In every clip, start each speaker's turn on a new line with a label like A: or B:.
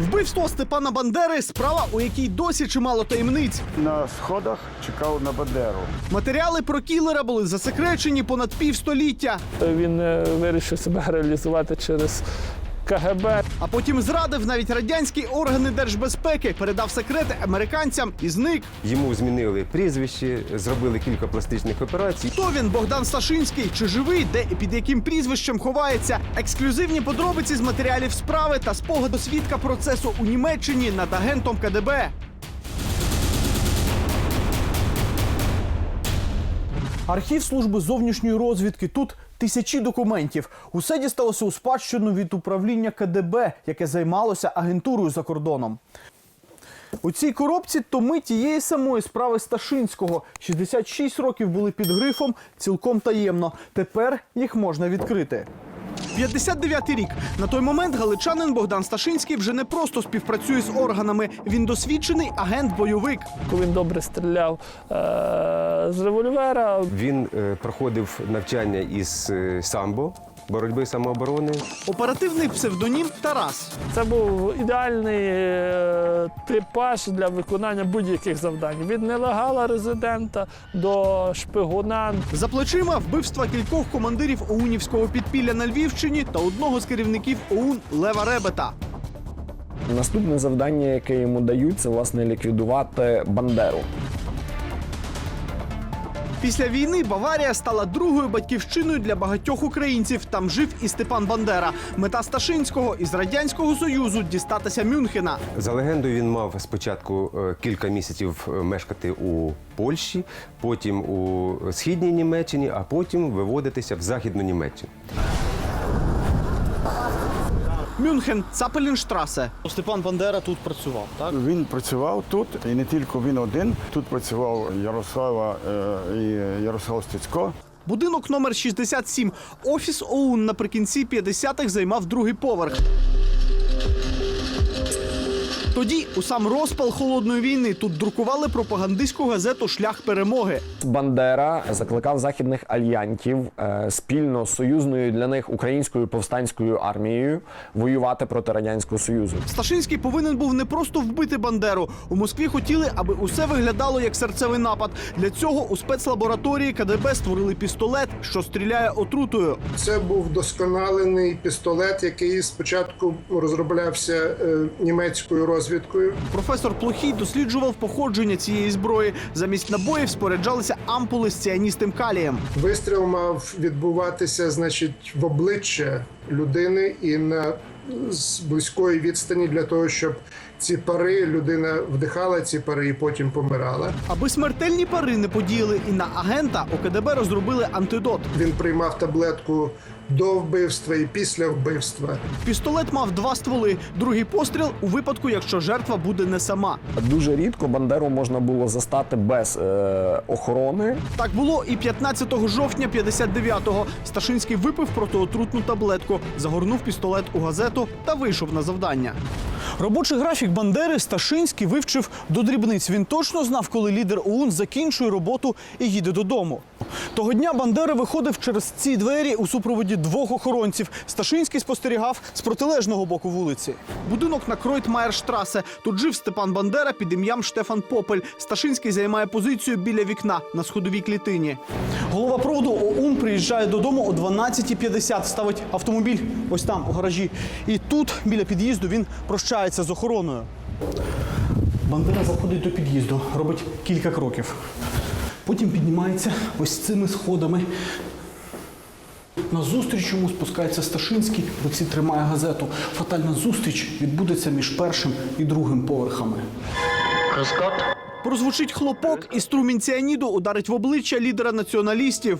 A: Вбивство Степана Бандери – справа, у якій досі чимало таємниць.
B: На сходах чекав на Бандеру.
A: Матеріали про кілера були засекречені понад півстоліття.
C: Він вирішив себе реалізувати через КГБ.
A: А потім зрадив навіть радянські органи держбезпеки, передав секрети американцям і зник.
D: Йому змінили прізвище, зробили кілька пластичних операцій.
A: Хто він, Богдан Сташинський? Чи живий? Де і під яким прізвищем ховається? Ексклюзивні подробиці з матеріалів справи та спогаду свідка процесу у Німеччині над агентом КДБ. Архів служби зовнішньої розвідки. Тут тисячі документів. Усе дісталося у спадщину від управління КДБ, яке займалося агентурою за кордоном. У цій коробці томи тієї самої справи Сташинського. 66 років були під грифом «Цілком таємно». Тепер їх можна відкрити. 59-й рік. На той момент галичанин Богдан Сташинський вже не просто співпрацює з органами. Він досвідчений агент-бойовик.
C: Він добре стріляв з револьвера.
D: Він проходив навчання із самбо, боротьби самооборони.
A: Оперативний псевдонім Тарас.
C: Це був ідеальний типаж для виконання будь-яких завдань. Від нелегала резидента до шпигуна.
A: За плечима вбивства кількох командирів ОУНівського підпілля на Львівщині та одного з керівників ОУН Лева Ребета.
E: Наступне завдання, яке йому дають, це, власне, ліквідувати Бандеру.
A: Після війни Баварія стала другою батьківщиною для багатьох українців. Там жив і Степан Бандера. Мета Сташинського із Радянського Союзу – дістатися Мюнхена.
D: За легендою, він мав спочатку кілька місяців мешкати у Польщі, потім у Східній Німеччині, а потім виводитися в Західну Німеччину.
A: Мюнхен, Цапелінштрасе. Степан Бандера тут працював, так?
B: Він працював тут, і не тільки він один. Тут працював Ярослава і Ярослав Стецько.
A: Будинок номер 67. Офіс ОУН наприкінці 50-х займав другий поверх. Тоді, у сам розпал Холодної війни, тут друкували пропагандистську газету «Шлях перемоги».
E: Бандера закликав західних альянтів спільно з союзною для них українською повстанською армією воювати проти Радянського Союзу.
A: Сташинський повинен був не просто вбити Бандеру. У Москві хотіли, аби усе виглядало як серцевий напад. Для цього у спецлабораторії КДБ створили пістолет, що стріляє отрутою.
F: Це був досконалений пістолет, який спочатку розроблявся німецькою розвідкою.
A: Професор Плохій досліджував походження цієї зброї. Замість набоїв споряджалися ампули з ціаністим калієм.
F: Вистріл мав відбуватися, значить, в обличчя людини і з близької відстані для того, щоб ці пари, людина вдихала ці пари і потім помирала.
A: Аби смертельні пари не подіяли і на агента, у КДБ розробили антидот.
F: Він приймав таблетку до вбивства і після вбивства.
A: Пістолет мав 2 стволи. Другий постріл у випадку, якщо жертва буде не сама.
E: Дуже рідко Бандеру можна було застати без охорони.
A: Так було і 15 жовтня 59-го. Сташинський випив протиотрутну таблетку, загорнув пістолет у газету та вийшов на завдання. Робочий графік Бандери Сташинський вивчив до дрібниць. Він точно знав, коли лідер ОУН закінчує роботу і їде додому. Того дня Бандера виходив через ці двері у супроводі 2 охоронців. Сташинський спостерігав з протилежного боку вулиці. Будинок на Кройтмаєрштрасе. Тут жив Степан Бандера під ім'ям Штефан Попель. Сташинський займає позицію біля вікна на сходовій клітині. Голова проводу ОУН приїжджає додому о 12:50. Ставить автомобіль ось там, у гаражі. І тут, біля під'їзду, він прощається з охороною. Бандера заходить до під'їзду, робить кілька кроків. Потім піднімається ось цими сходами. Назустріч йому спускається Сташинський, в руці тримає газету. Фатальна зустріч відбудеться між першим і другим поверхами. Прозвучить хлопок, і струмінь ціаніду ударить в обличчя лідера націоналістів.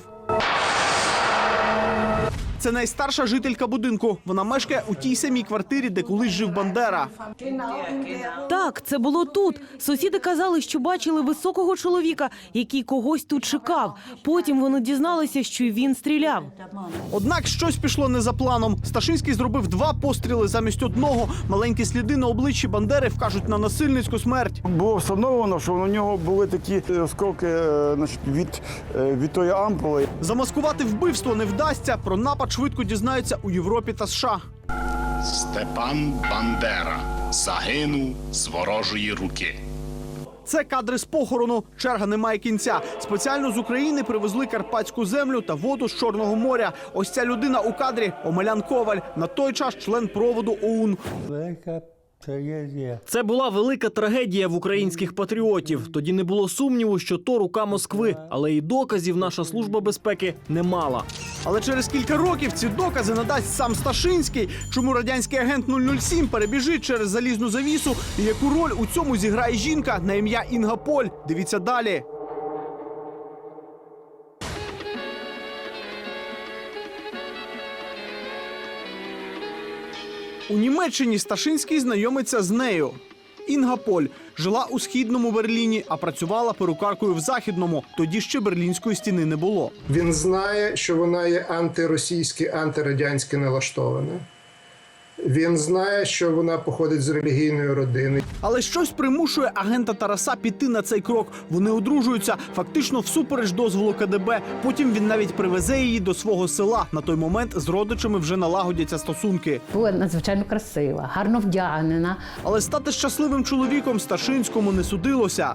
A: Це найстарша жителька будинку. Вона мешкає у тій самій квартирі, де колись жив Бандера.
G: Так, це було тут. Сусіди казали, що бачили високого чоловіка, який когось тут чекав. Потім вони дізналися, що й він стріляв.
A: Однак щось пішло не за планом. Сташинський зробив 2 постріли замість одного. Маленькі сліди на обличчі Бандери вкажуть на насильницьку смерть.
B: Було встановлено, що у нього були такі осколки від тої ампули.
A: Замаскувати вбивство не вдасться. Про напад швидко дізнаються у Європі та США.
H: Степан Бандера. загинув з ворожої руки.
A: Це кадри з похорону. Черга не має кінця. Спеціально з України привезли карпатську землю та воду з Чорного моря. Ось ця людина у кадрі – Омелян Коваль. На той час член проводу ОУН.
I: Це була велика трагедія в українських патріотів. Тоді не було сумніву, що то рука Москви. Але і доказів наша служба безпеки не мала.
A: Але через кілька років ці докази надасть сам Сташинський. Чому радянський агент 007 перебіжить через залізну завісу і яку роль у цьому зіграє жінка на ім'я Інга Поль? Дивіться далі. У Німеччині Сташинський знайомиться з нею. Інга Поль жила у східному Берліні, а працювала перукаркою в західному. Тоді ще Берлінської стіни не було.
F: Він знає, що вона є антиросійськи, антирадянськи налаштована. Він знає, що вона походить з релігійної родини.
A: Але щось примушує агента Тараса піти на цей крок. Вони одружуються, фактично всупереч дозволу КДБ. Потім він навіть привезе її до свого села. На той момент з родичами вже налагодяться стосунки.
J: Була надзвичайно красива, гарно вдягнена.
A: Але стати щасливим чоловіком Сташинському не судилося.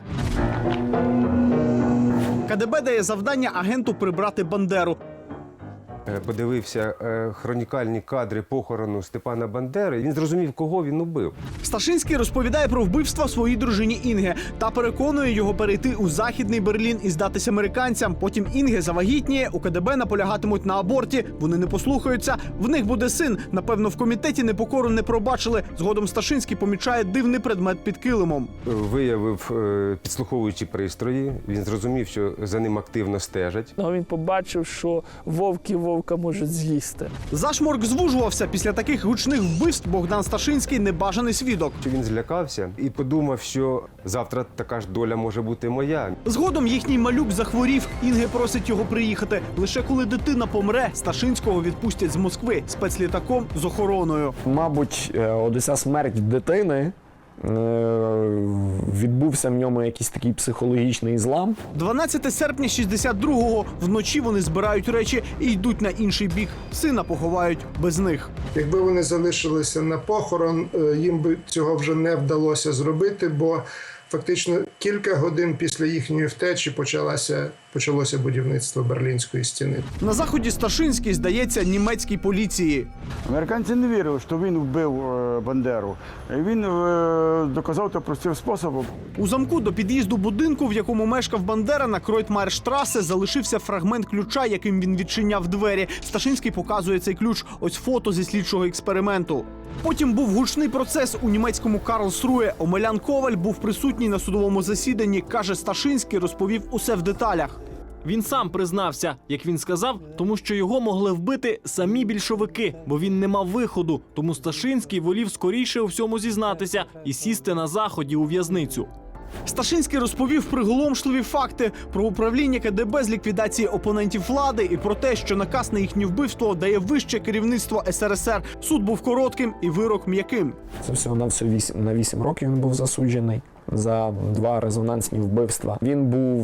A: КДБ дає завдання агенту прибрати Бандеру.
D: Подивився хронікальні кадри похорону Степана Бандери. Він зрозумів, кого він убив.
A: Сташинський розповідає про вбивство своїй дружині Інге та переконує його перейти у Західний Берлін і здатися американцям. Потім Інге завагітніє, у КДБ наполягатимуть на аборті. Вони не послухаються. В них буде син. Напевно, в комітеті непокору не пробачили. Згодом Сташинський помічає дивний предмет під килимом.
D: Виявив підслуховуючі пристрої. Він зрозумів, що за ним активно стежать.
C: Він побачив, що вовка можуть з'їсти.
A: Зашморк звужувався. Після таких гучних вбивств Богдан Сташинський – небажаний свідок.
D: Він злякався і подумав, що завтра така ж доля може бути моя.
A: Згодом їхній малюк захворів. Інге просить його приїхати. Лише коли дитина помре, Сташинського відпустять з Москви спецлітаком з охороною.
E: Мабуть, оця смерть дитини відбувся в ньому якийсь такий психологічний злам.
A: 12 серпня 62-го. Вночі вони збирають речі і йдуть на інший бік. Сина поховають без них.
F: Якби вони залишилися на похорон, їм би цього вже не вдалося зробити, бо фактично кілька годин після їхньої втечі почалося будівництво Берлінської стіни.
A: На заході Сташинський здається німецькій поліції.
B: Американці не вірили, що він вбив Бандеру. І він доказав це простим способом.
A: У замку до під'їзду будинку, в якому мешкав Бандера, на Кройтмайерштрасе залишився фрагмент ключа, яким він відчиняв двері. Сташинський показує цей ключ. Ось фото зі слідчого експерименту. Потім був гучний процес у німецькому Карлсрує. Омелян Коваль був присутній на судовому засіданні. Каже, Сташинський розповів усе в деталях.
I: Він сам признався, як він сказав, тому що його могли вбити самі більшовики, бо він не мав виходу. Тому Сташинський волів скоріше у всьому зізнатися і сісти на Заході у в'язницю.
A: Сташинський розповів приголомшливі факти про управління КДБ з ліквідації опонентів влади і про те, що наказ на їхнє вбивство дає вище керівництво СРСР. Суд був коротким і вирок м'яким.
E: Це всього на 8 років він був засуджений за 2 резонансні вбивства. Він був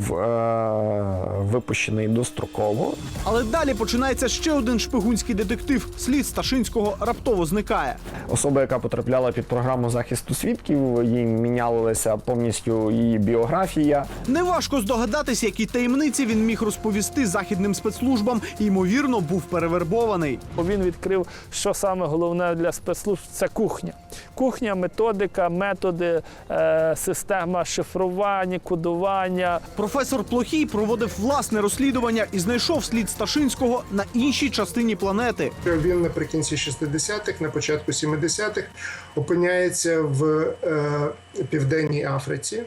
E: випущений достроково.
A: Але далі починається ще один шпигунський детектив. Слід Сташинського раптово зникає.
E: Особа, яка потрапляла під програму захисту свідків, їй мінялася повністю її біографія.
A: Неважко здогадатись, які таємниці він міг розповісти західним спецслужбам і, ймовірно, був перевербований.
C: Він відкрив, що саме головне для спецслужб – це кухня. Кухня, методика, методи, система шифрування, кодування.
A: Професор Плохій проводив власне розслідування і знайшов слід Сташинського на іншій частині планети.
F: Він наприкінці 60-х, на початку 70-х опиняється в Південній Африці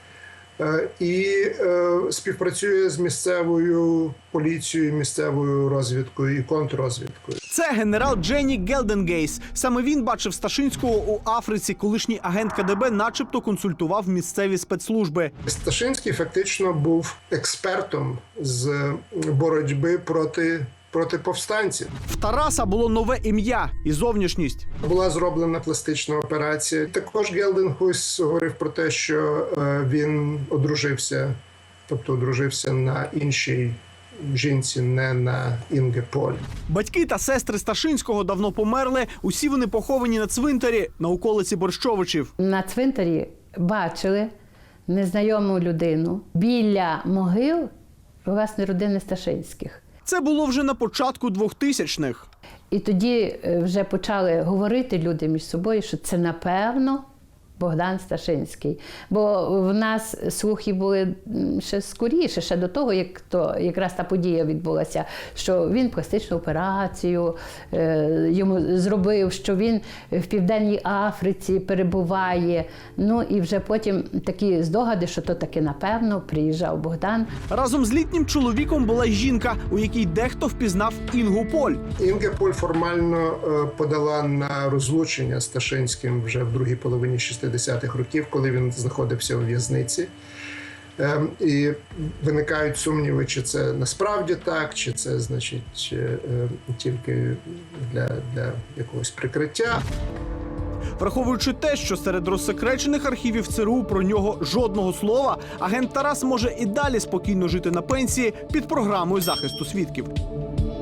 F: і співпрацює з місцевою поліцією, місцевою розвідкою і контррозвідкою.
A: Це генерал Дженні Гелденгейс. Саме він бачив Сташинського у Африці. Колишній агент КДБ начебто консультував місцеві спецслужби.
F: Сташинський фактично був експертом з боротьби проти повстанців.
A: В Тараса було нове ім'я і зовнішність.
F: Була зроблена пластична операція. Також Гелденгейс говорив про те, що він одружився на іншій жінці, не на Інге Поль.
A: Батьки та сестри Сташинського давно померли. Усі вони поховані на цвинтарі на околиці Борщовичів.
J: На цвинтарі бачили незнайому людину біля могил власне родини Сташинських.
A: Це було вже на початку 2000-х.
J: І тоді вже почали говорити люди між собою, що це напевно Богдан Сташинський. Бо в нас слухи були ще скоріше, ще до того, як якраз та подія відбулася, що він пластичну операцію йому зробив, що він в Південній Африці перебуває. Ну і вже потім такі здогади, що то таки напевно приїжджав Богдан.
A: Разом з літнім чоловіком була жінка, у якій дехто впізнав Інгу Поль.
F: Інге Поль формально подала на розлучення з Сташинським вже в другій половині 60-х років, коли він знаходився у в'язниці. І виникають сумніви, чи це насправді так, чи це, значить, тільки для якогось прикриття.
A: Враховуючи те, що серед розсекречених архівів ЦРУ про нього жодного слова, агент Тарас може і далі спокійно жити на пенсії під програмою захисту свідків.